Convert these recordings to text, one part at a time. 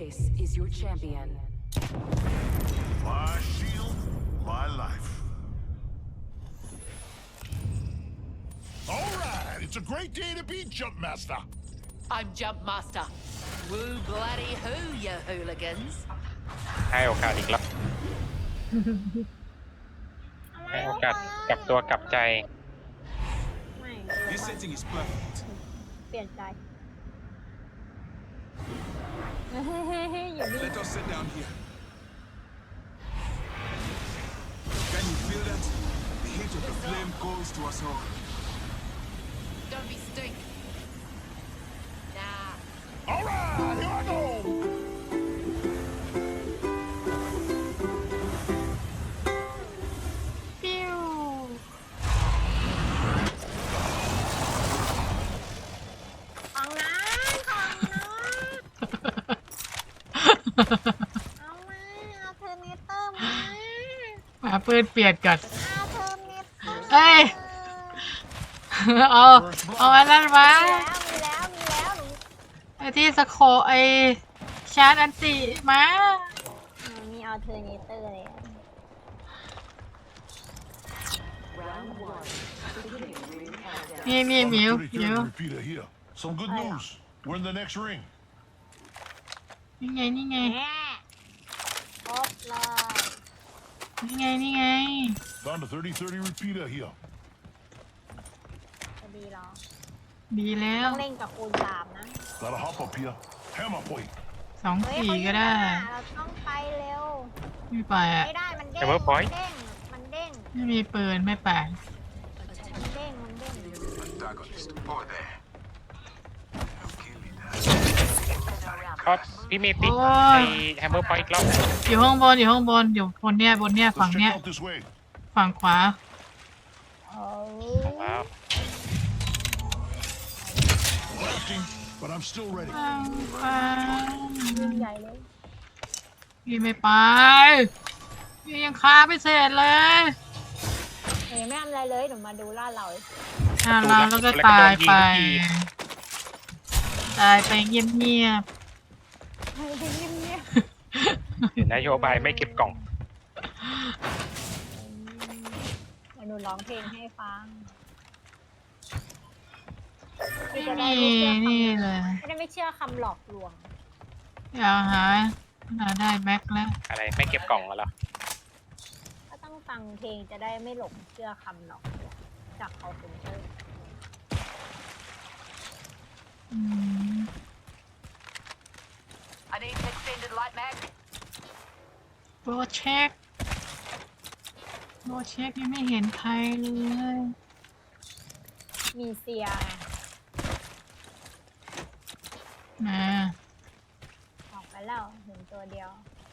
base is your champion. My shield, my life. All right, it's a great day to be Jump Master. I'm Jump Master. Woo bloody hoo, you hooligans. ให้โอกาสอีกแล้วให้โอกาสกลับตัวกลับใจไม่ This setting is perfect. เปลี่ยนใจอยู่นี่ Let us sit down here. Can you feel that? The heat of the flame calls to us all. Don't be stink. Nah. All right, here I go. ปิ้วของนะของนะเอามาเอาเทอร์เนเตอร์มามาปืนเปลี่ยนก่อนเอาเทอร์เนเตอร์เอ้ย เอาอันนั้นมามีแล้วหนูไอ้ที่สโคไอ้ชาร์จอันติมามีเอาเทอร์เนเตอร์เลย Round one. Beginning ring countdown. นี่หมิว On ห the มิว 33rd repeater here. Some good news. We're in the next ring. นี่ไงแหมครบเลยนี่ไง Found a 30-30 repeater here. จะดีเหรอดีแล้วต้องเล่นกับคูณ3นะ Gotta hop up here. Hammer point. 2 เฮ้ย 4 ก็ได้เราต้องไปเร็วไม่ไปอ่ะไม่ได้มันเด้ง Hammer point มันเด้งไม่มีปืนไม่ไปมันเด้ง Antagonist, over there. Okay, leader. ก็พี่เมย์ปิดโอ้ยไอ้แฮมเมอร์พอยต์อีกรอบอยู่ข้างบนอยู่บนเนี่ยฝั่ง Let's เนี้ย check out this way. ฝั่งขวาโอ้ว้าว Blasting, but I'm still ready. ฝั่งขวาใหญ่เลยพี่ไม่ไปพี่ยังคาไม่เสร็จเลยไม่ทำอะไรเลยหนูมาดูลาดเราเราแล้วก็ตายไป ตายไปเงียบเงียบเห็นนโยบายไม่เก็บกล่องหนูร้องเพลงให้ฟังๆจะไม่ได้มีไม่เชื่อนี่เลยไม่เชื่อคำหลอกลวงอยากหาได้แม็กแล้วอะไรไม่เก็บกล่องเหรอก็ต้องฟังเพลงจะได้ไม่หลงเชื่อคำหลอกลวงจากเขาเป็นเตอร์ I need an extended light mag. โปรเช็คยังไม่เห็นใครเลยมีเซียนะออกไปแล้วเห็นตัวเดียว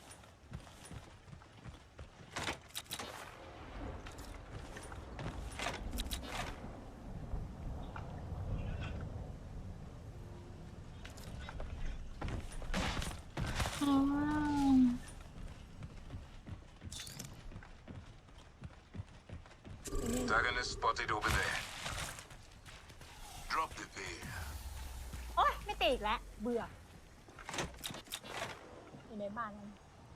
อ๋อ Antagonist spotted over there. Drop the veil. โอ๊ยไม่ตีอีกแล้ว เบื่อ อยู่ในบ้านนั้น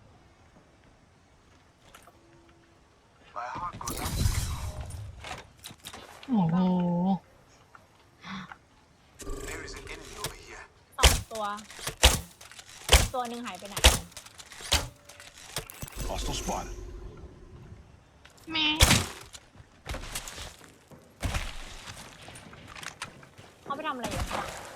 My heart goes out to you. โอ้โห There is an enemy over here. 2 ตัว ตัวหนึ่งหายไปไหน Hostile spotted. แม่เขาไปทำอะไรอยู่คะ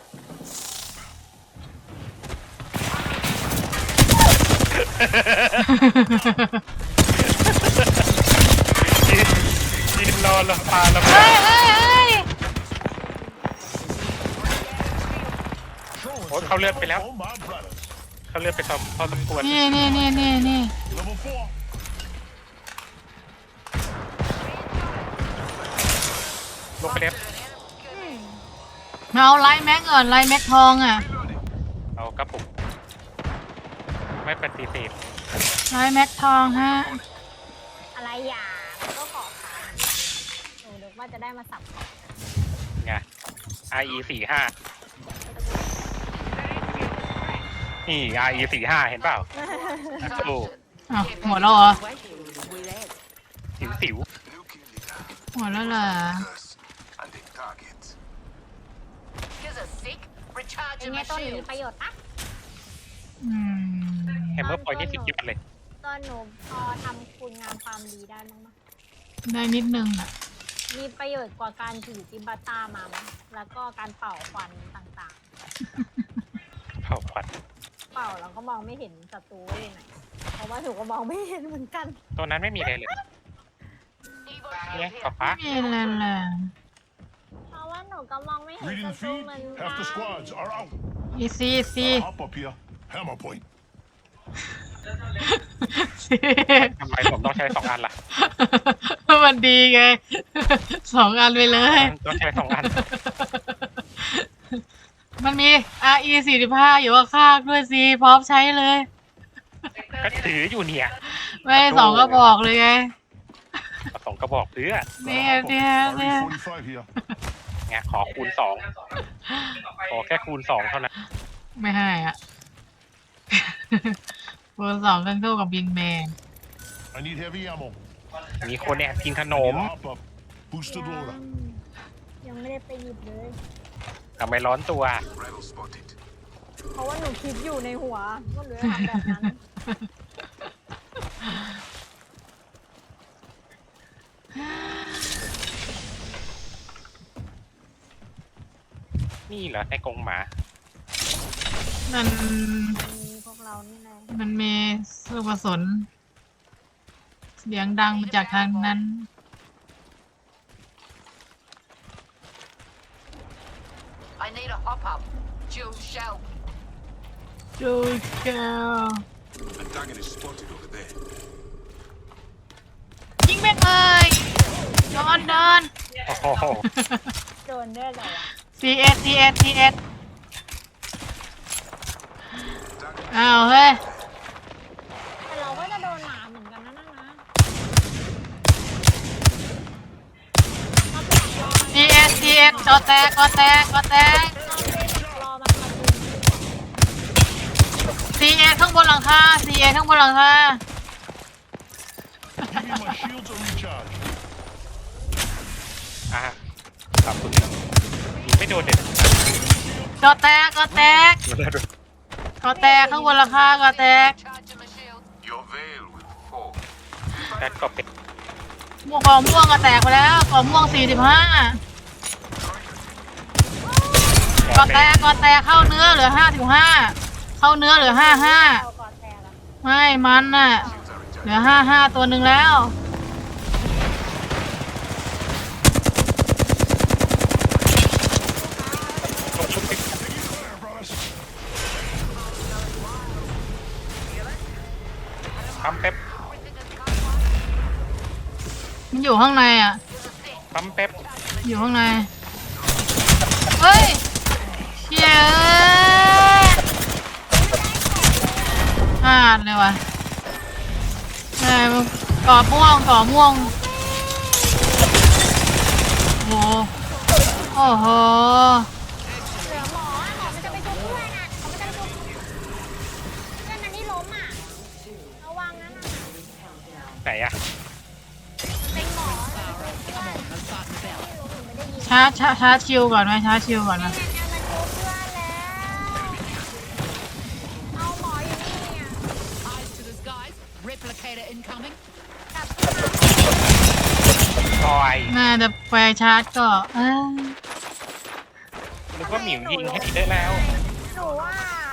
ยืนรอละปลาละเฮ้ยโอ้ยเขาเลือดไปแล้ว Oh, my brothers. เขาเลือดไปพอสมควรนี่ Level 4. ลงไปแล้วมาเอาไลท์แม็กก่อนไลท์แม็กทองอ่ะเอากระปุกไม่ปฏิเสธไลท์แม็กทองฮะอะไรอย่ามันก็ขอค่ะหนูนึกว่าจะได้มาสับไง IE 45 นี่ RE 45เห็นเปล่าโอ้อ้าวหมดแล้วเหรอ With Ed. สิว Looking leader. หมดแล้วเหรอ Curse. And a target. Here's a sick. เป็น Recharging ไง my ต้นมี shield. ประโยชน์ปะอืมๆแฮมเมอร์พอยต์นี่สุดยอดเลยตอนหนูพอทำคุณงามความดีได้มั้งมะได้นิดนึงอ่ะมีประโยชน์กว่าการถือจิบาต้ามามั้งแล้วก็การเป่าควันต่างเผาควันๆ เป่าแล้วก็มองไม่เห็นศัตรูว่าอยู่ไหน เพราะว่าหนูก็มองไม่เห็นเหมือนกันตัวนั้นไม่มีอะไรเลย Evo เนี่ย shield ป๊า here. ป๊าไม่มีอะไรเลยเพราะว่าหนูก็มองไม่เห็น Reading ศั the ตรู feed. เหมือนกั Half the น squads are out. อีซีอีซี Hop up here. Hammer point. ทำไมผมต้องใช้2 อันล่ะมันดีไง 2 อันไปเลยต้องใช้2 อันมันมี RE 45อยู่ข้างๆด้วยสิพร้อมใช้เลยก็ถืออยู่เนี่ยไม่2 ก็บอกเลยไงเอา2 กระบอกเพื่อเนี่ย Hop up. เนี่ยเนี่ย RE 45 here. ไงขอคูณ 2 ขอแค่คูณ 2 เท่านั้นไม่ให้อ่ะ คูณ 2กันสู้กับบิงแมน I need heavy ammo. มีคนแอบกินขนม Hop up. Boosted loader. ยังไม่ได้ไปหยิบเลยทำไมร้อนตัว Rebel spotted. เพราะว่าหนูคิดอยู่ในหัวว่าหนูจะทำแบบนั้นนี่เหรอในกรงหมามันมีพวกเรานี่แหละมันมีลูกกระสุนเสียงดังมาจากทางนั้น I need a hop up. Dual shell. ดูแก้ว Antagonist spotted over there. ยิงแม่งเลยนอนนอนโอ้โหโดนได้เลยอะ CS CS CS อ้าวเฮ้ยแต่เราก็จะโดนหมาเหมือนกันนะนั่นนะ CS CS กอแตกกอแตกกอแตกรอมันมาดึง CS ข้างบนหลังคา CS ข้างบนหลังคา Give me my shields or recharge. อ่ะขอบคุณยิงไม่โดนเด็ดกอแตกกอแตกกอแตกข้างบนหลังคากอแตก Recharging my shield. Your veil will fall. แต่ก็เป็นม่วงกอม่วงกอแตกไปแล้วกอม่วง45กอแตกกอแตกเข้าเนื้อเหลือ55เข้าเนื้อเหลือ55 เราก่อนแต่ละไม่มันน่ะ เหลือ55ตัวหนึ่งแล้วปั๊มเป๊ปมันอยู่ข้างในอ่ะปั๊มเป๊ปอยู่ข้างใน เฮ้ยเชี่ยพลาดเลยว่ะไอ้มันก่อม่วงก่อม่วง โอ้โห โอ้โหเหลือหมอหมอมันจะไปชุบเพื่อนอ่ะเขาไม่จะไปชุบเพื่อนมันที่ล้มอ่ะระวังนะน่ะไหนอะเป็นหมอจะไปชุบเพื่อน I'm starting to bell. ไม่รู้หนูไม่ได้ยินชาร์จชิลก่อนไหมชาร์จชิลก่อนนะเนี่ยมันชุบเพื่อนแล้วเอาหมออยู่นี่เนี่ย Eyes to the skies. Replicator incoming. กลับคอยน่าจะไปชาร์จก็นึกว่าหมิวยิงให้ได้แล้วหนูว่า